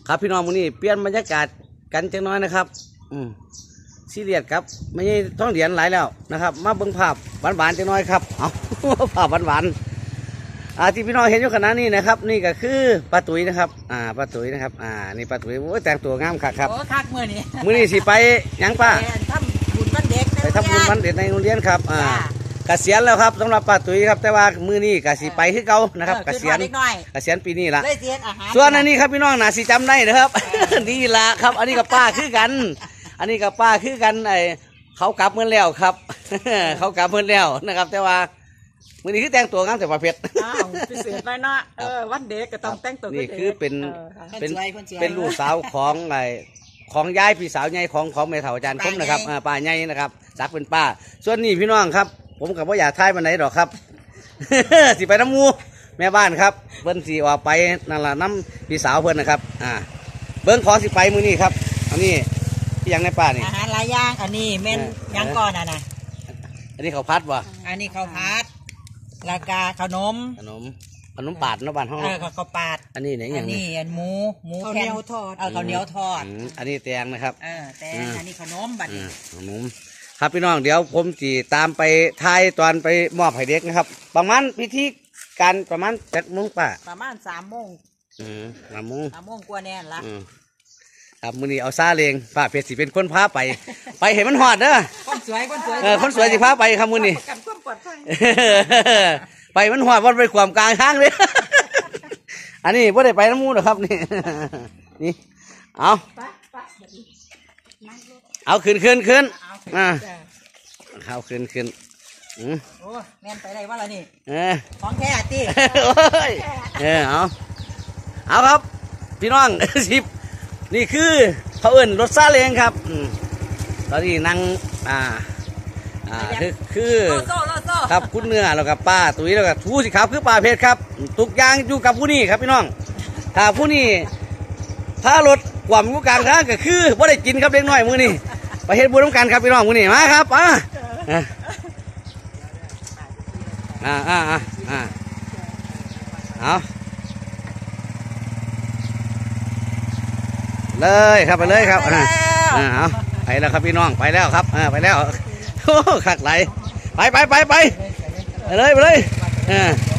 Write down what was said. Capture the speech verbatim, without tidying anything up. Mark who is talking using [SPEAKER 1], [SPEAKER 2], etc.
[SPEAKER 1] ครับพี่น้องมื้อนี้เปลี่ยนบรรยากาศกันจังน้อยนะครับอืมซีเรียสครับไม่ใช่ท้องเหรียญหลายแล้วนะครับมาเบิ่งภาพหวานๆจังน้อยครับเอาภาพหวานๆอ่าที่พี่น้องเห็นอยู่ขณะนี้นะครับนี่ก็คือป้าตุ๋ยนะครับอ่าป้าตุ๋ยนะครับอ่านี่ป้าตุ๋ยโอ้ยแต่งตัวงามคักครับ
[SPEAKER 2] โอ้คักมื้อนี้
[SPEAKER 1] มื้อนี้สิไปยังป้า
[SPEAKER 2] ทำบุญวันเด็ก
[SPEAKER 1] ไปทำบุญวันเด็กในโรงเรียนครับอ่าเกษียณแล้วครับสำหรับป้าตุ๋ยครับแต่ว่ามื้อนี้ก็สิไปคือเก่านะครับเกษียณเกษียณปีนี้ละส่วนอันนี้ครับพี่น้องน่าสิจำได้นะครับนี่ละครับอันนี้กับป้าคือกันอันนี้กับป้าคือกันไอเขากลับเมื่อแล้วครับเขากลับเมื่อแล้วนะครับแต่ว่ามื้อนี้คือแต่งตัวงามแต่ประเภท
[SPEAKER 2] อ้าวพิเศษหน่อยเนาะเออวันเด็กก็ต้องแต่งตัว
[SPEAKER 1] นี่คือเป็นเป็นเป็นลูกสาวของไอของยายพี่สาวใหญ่ของของแม่เฒ่าอาจารย์คมนะครับป้าใหญ่นะครับสักเป็นป้าส่วนนี้พี่น้องครับผมกับว่าอยากทายมันไหนหรอกครับ สิไปน้ำมูแม่บ้านครับเบิ้นสีออกไปนั่นแหละน้ำพี่สาวเพื่อนนะครับอ่าเบิ้งของสิไปมือนี่ครับอันนี้ที่ยังในป่านี่
[SPEAKER 2] อาหารหลายอย่างอันนี้เม่นยังก่อนอ่ะนะ
[SPEAKER 1] อันนี้เขาพัดวะ
[SPEAKER 2] อันนี้เขาพัดลากาขนม
[SPEAKER 1] ขนมขนมปาดเนาะบ้านห้อง
[SPEAKER 2] เออเขาปาด
[SPEAKER 1] อันนี้ไหนอย่าง
[SPEAKER 2] นี้อันหมูหมูแผ่นทอดเออข้าวเหนียวทอด
[SPEAKER 1] อันนี้แตงนะครับ
[SPEAKER 2] เออแตงอันนี้ขนมบัดนี้
[SPEAKER 1] ขนมครับพี่น้องเดี๋ยวผมจีตามไปทายตอนไปมอบให้เด็กนะครับประมาณพิธีการประมาณเจ็ดโมงป่ะ
[SPEAKER 2] ประมาณสามโมง
[SPEAKER 1] อืมสามโมง
[SPEAKER 2] สามโมงกว่าแน่ละ
[SPEAKER 1] ครับมื้อนี้เอาซาเลงป้าเพชรสิเป็นคนพาไปไปเห็นมันหอดเด้อ
[SPEAKER 2] คนสวยคนสวย
[SPEAKER 1] เออคนสวยสิพาไปครับมื้อนี้ไปมันหอดวันไปความกลางทางเลยอันนี้ไม่ได้ไปน้ำมูหรอกครับนี่นี่เอาเอาขึ้นขึ้นขึ้นอ่าเอาขึ้นขึ้นอืม
[SPEAKER 2] โอ้แม่นไปได้ว่าละนี่
[SPEAKER 1] เออ
[SPEAKER 2] ของแท้ตี
[SPEAKER 1] โอ้ยเออเอาเอาครับพี่น้องสิบนี่คือเขาเอิ้นรถซาเล้งครับอืมตอนนี้นั่งอ่าอ่าคือคือครับคุณเนื้อแล้วกับป้าตุ๋ยแล้วกับทูสิครับคือป้าเพชรครับทุกอย่างอยู่กับผู้นี้ครับพี่น้องถ้าผู้นี้ถ้ารถกว่ำอยู่กลางทางก็คือว่าได้กินครับเล็กน้อยมือนี่ไปเฮ็ดบุญร่วมกันครับพี่น้องมือนี่มาครับอ่าอ่าอ่าอ่าอ่าเอาเลยครับไปเลยครับอ่าเอาไปแล้วครับพี่น้องไปแล้วครับอ่าไปแล้วโอ้ขักไหลไปไปไปไปไปเลยไปเลยอ่า